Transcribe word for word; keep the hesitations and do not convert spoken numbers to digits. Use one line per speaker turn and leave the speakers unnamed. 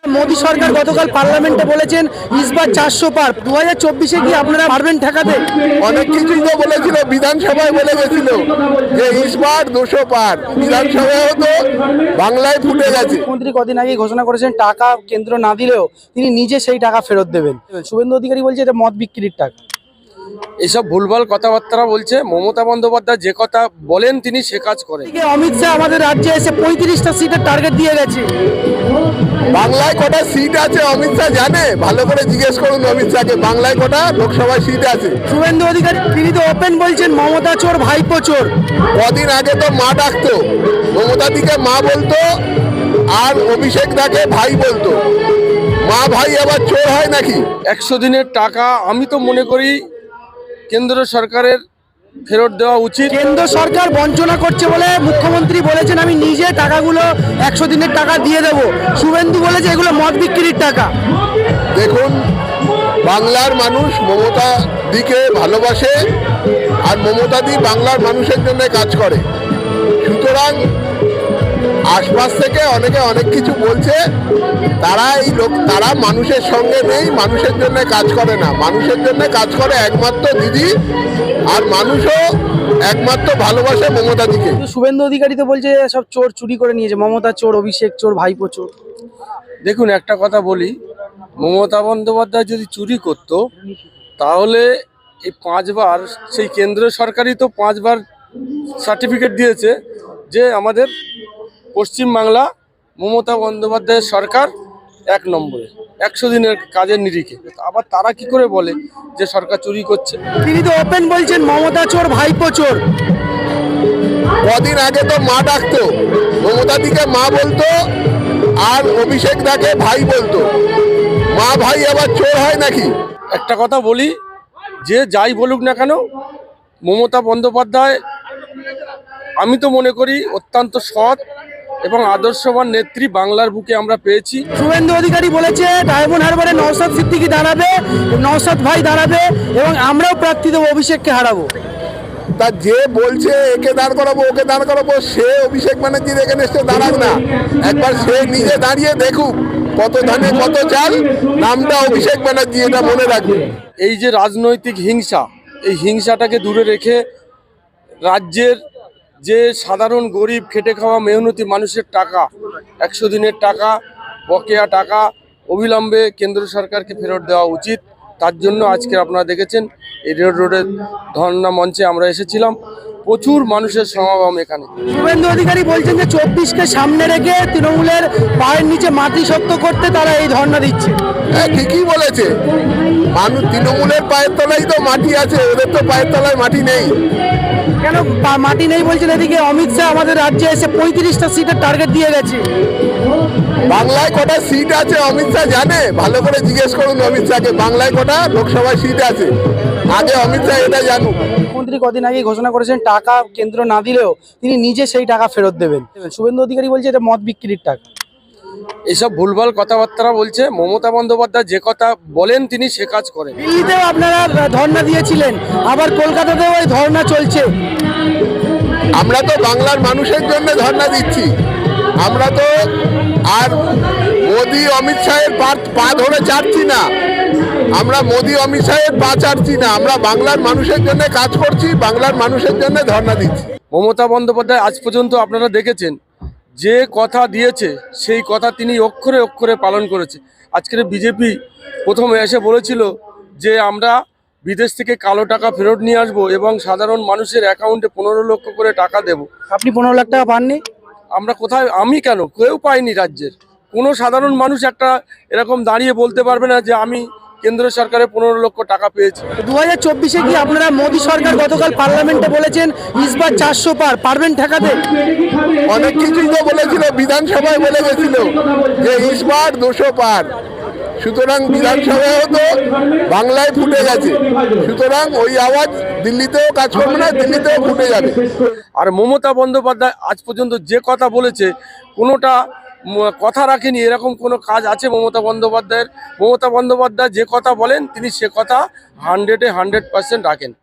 মোদী সরকার গতকাল পার্লামেন্টে বলেছেন ইসবার চারশো পার। দু হাজার চব্বিশে কি আপনারা পারবেন ঠেকাতে?
অনেক কিছুই তো বলেছিল, বিধানসভায় বলে গেছিল যে ইসবার দুশো পার। বিধানসভায় তো বাংলায় ফুটে গেছে।
মুখ্যমন্ত্রী কদিন আগে ঘোষণা করেছেন টাকা কেন্দ্র না দিলেও তিনি নিজে সেই টাকা ফেরত দেবেন। শুভেন্দু অধিকারী বলছে এটা মদ বিক্রির টাকা।
এসব ভুলভাল কথাবার্তা বলছে। মমতা বন্দ্যোপাধ্যায় যে কথা বলেন তিনি সে কাজ করেন।
অমিত শাহ আমাদের রাজ্যে এসে পঁয়ত্রিশটা সিটের টার্গেট দিয়ে গেছে।
বাংলায় কটা সিট আছে অমিত শাহ জানে? ভালো করে জিজ্ঞেস করুন অমিত শাহকে, বাংলায় কটা লোকসভায় সিট আছে।
শুভেন্দু অধিকারী তিনি তো ওপেন বলছেন মমতা চোর ভাইপো চোর।
কদিন আগে তো মা ডাকতো, মমতা দিকে মা বলতো আর অভিষেক দাকে ভাই বলতো। মা ভাই আবার চোর হয় নাকি?
একশো দিনের টাকা আমি তো মনে করি কেন্দ্র সরকারের ফেরত দেওয়া উচিত।
কেন্দ্র সরকার বঞ্চনা করছে বলে মুখ্যমন্ত্রী বলেছেন আমি নিজে টাকাগুলো একশো দিনের টাকা দিয়ে দেবো। শুভেন্দু বলেছে এগুলো মদ বিক্রির টাকা।
দেখুন, বাংলার মানুষ মমতা দিকে ভালোবাসে আর মমতা দি বাংলার মানুষের জন্য কাজ করে। সুতরাং আশপাশ থেকে অনেকে অনেক কিছু বলছে, তারা এই লোক তারা মানুষের সঙ্গে নেই, মানুষের জন্য কাজ করে না। মানুষের জন্য কাজ করে একমাত্র দিদি, আর মানুষও একমাত্র ভালোবাসে মমতা দিকে।
শুভেন্দু অধিকারী তো বলছে সব চোর চুরি করে নিয়েছে, মমতা চোর, অভিষেক চোর, ভাইপো চোর।
দেখুন একটা কথা বলি, মমতা বন্দ্যোপাধ্যায় যদি চুরি করতো তাহলে এই পাঁচবার সেই কেন্দ্র সরকারই তো পাঁচবার সার্টিফিকেট দিয়েছে যে আমাদের পশ্চিমবাংলা মমতা বন্দ্যোপাধ্যায়ের সরকার এক নম্বরে একশো দিনের কাজের নিরিখে। আবার তারা কি করে বলে যে সরকার চুরি করছে?
তিনি তো ওপেন বলছেন মমতা চোর ভাইপো চোর।
কদিন আগে তো মা ডাকতো, মমতা দিকে মা বলতো আর অভিষেক দাকে ভাই বলতো। মা ভাই আবার চোর হয় নাকি?
একটা কথা বলি, যে যাই বলুক না কেন মমতা বন্দ্যোপাধ্যায় আমি তো মনে করি অত্যন্ত সৎ এবং আদর্শবান নেত্রী বাংলার বুকে আমরা পেয়েছি।
শুভেন্দু অধিকারী বলেছে ডায়মন্ড হারবারে নওশাদ সিদ্দিকী দাঁড়াবে, নওশাদ ভাই দাঁড়াবে এবং আমরাও প্রার্থী দেবো, অভিষেককে হারাবো।
তা যে বলছে একে দাঁড় করাবো ওকে দাঁড় করাবো, সে অভিষেক ব্যানার্জির এখানে এসে দাঁড়াক না, একবার সে নিজে দাঁড়িয়ে দেখুক কত ধানে কত চাল। নামটা অভিষেক ব্যানার্জি, এটা মনে রাখবে।
এই যে রাজনৈতিক হিংসা, এই হিংসাটাকে দূরে রেখে রাজ্যের যে সাধারণ গরিব খেটে খাওয়া মেহনতি মানুষের টাকা, একশো দিনের টাকা, বকেয়া টাকা অবিলম্বে কেন্দ্র সরকারকে ফেরত দেওয়া উচিত। তার জন্য আজকে আপনারা দেখেছেন এই রেড রোডের ধর্ণা মঞ্চে আমরা এসেছিলাম, প্রচুর মানুষের সমাগম এখানে।
শুভেন্দু অধিকারী বলছেন যে চব্বিশকে সামনে রেখে তৃণমূলের পায়ের নিচে মাটি শক্ত করতে তারা এই ধর্ণা দিচ্ছে।
হ্যাঁ, ঠিকই বলেছে। মানুষ তৃণমূলের পায়ের তলায় তো মাটি আছে, ওদের তো পায়ের তলায় মাটি নেই।
কেন মাটি নেই বলছেন? এদিকে অমিত শাহ আমাদের রাজ্যে এসে পঁয়ত্রিশটা সিটের টার্গেট দিয়ে গেছে।
বাংলায় কটা সিট আছে অমিত শাহ জানে? ভালো করে জিজ্ঞেস করুন অমিত শাহকে, বাংলায় কটা লোকসভায় সিট আছে। আগে অমিত শাহ এটা জানুক।
মুখ্যমন্ত্রী কদিন আগে ঘোষণা করেছেন টাকা কেন্দ্র না দিলেও তিনি নিজে সেই টাকা ফেরত দেবেন। শুভেন্দু অধিকারী বলছে এটা মদ বিক্রির টাকা।
এসব ভুলভাল কথাবার্তা বলছে। মমতা বন্দ্যোপাধ্যায় যে কথা বলেন তিনি সে কাজ করেন।
দিল্লিতেও আপনারা ধর্ণা দিয়েছিলেন, আবার কলকাতাতেও এই ধর্ণা চলছে।
আমরা তো বাংলার মানুষের জন্য ধর্ণা দিচ্ছি। আমরা তো আর মোদি অমিত শাহের পা পা ধরে চাটছি না, আমরা মোদি অমিত শাহের পা চাটছি না, আমরা বাংলার মানুষের জন্য কাজ করছি, বাংলার মানুষের জন্য ধর্ণা দিচ্ছি।
মমতা বন্দ্যোপাধ্যায় আজ পর্যন্ত আপনারা দেখেছেন যে কথা দিয়েছে সেই কথা তিনি অক্ষরে অক্ষরে পালন করেছে। আজকের বিজেপি প্রথমে এসে বলেছিল যে আমরা বিদেশ থেকে কালো টাকা ফেরত নিয়ে আসবো এবং সাধারণ মানুষের অ্যাকাউন্টে পনেরো লক্ষ করে টাকা দেব।
আপনি পনেরো লাখ টাকা পাননি?
আমরা কোথায়, আমি কেন, কেউ পাইনি। রাজ্যের কোনো সাধারণ মানুষ একটা এরকম দাঁড়িয়ে বলতে পারবে না যে আমি কেন্দ্র সরকারের পনেরো লক্ষ টাকা পেয়েছি।
দু হাজার চব্বিশে কি আপনারা মোদী সরকার গতকাল পার্লামেন্টে বলেছেন ইসবার চারশো পার, পারবেন ঠেকাতে?
অনেক কিছুই তো বলেছিল, বিধানসভায় বলে গেছিল যে ইসবার দুশো পার। সুতরাং বিধানসভায় তো বাংলায় ফুটে গেছে। সুতরাং ওই আওয়াজ দিল্লিতেও কাজ করবে না, দিল্লিতেও ফুটে যাবে।
আর মমতা বন্দ্যোপাধ্যায় আজ পর্যন্ত যে কথা বলেছে কোনোটা কথা রাখেনি, এরকম কোনো কাজ আছে মমতা বন্দ্যোপাধ্যায়ের? মমতা বন্দ্যোপাধ্যায় যে কথা বলেন তিনি সে কথা হান্ড্রেডে হান্ড্রেড পার্সেন্ট রাখেন।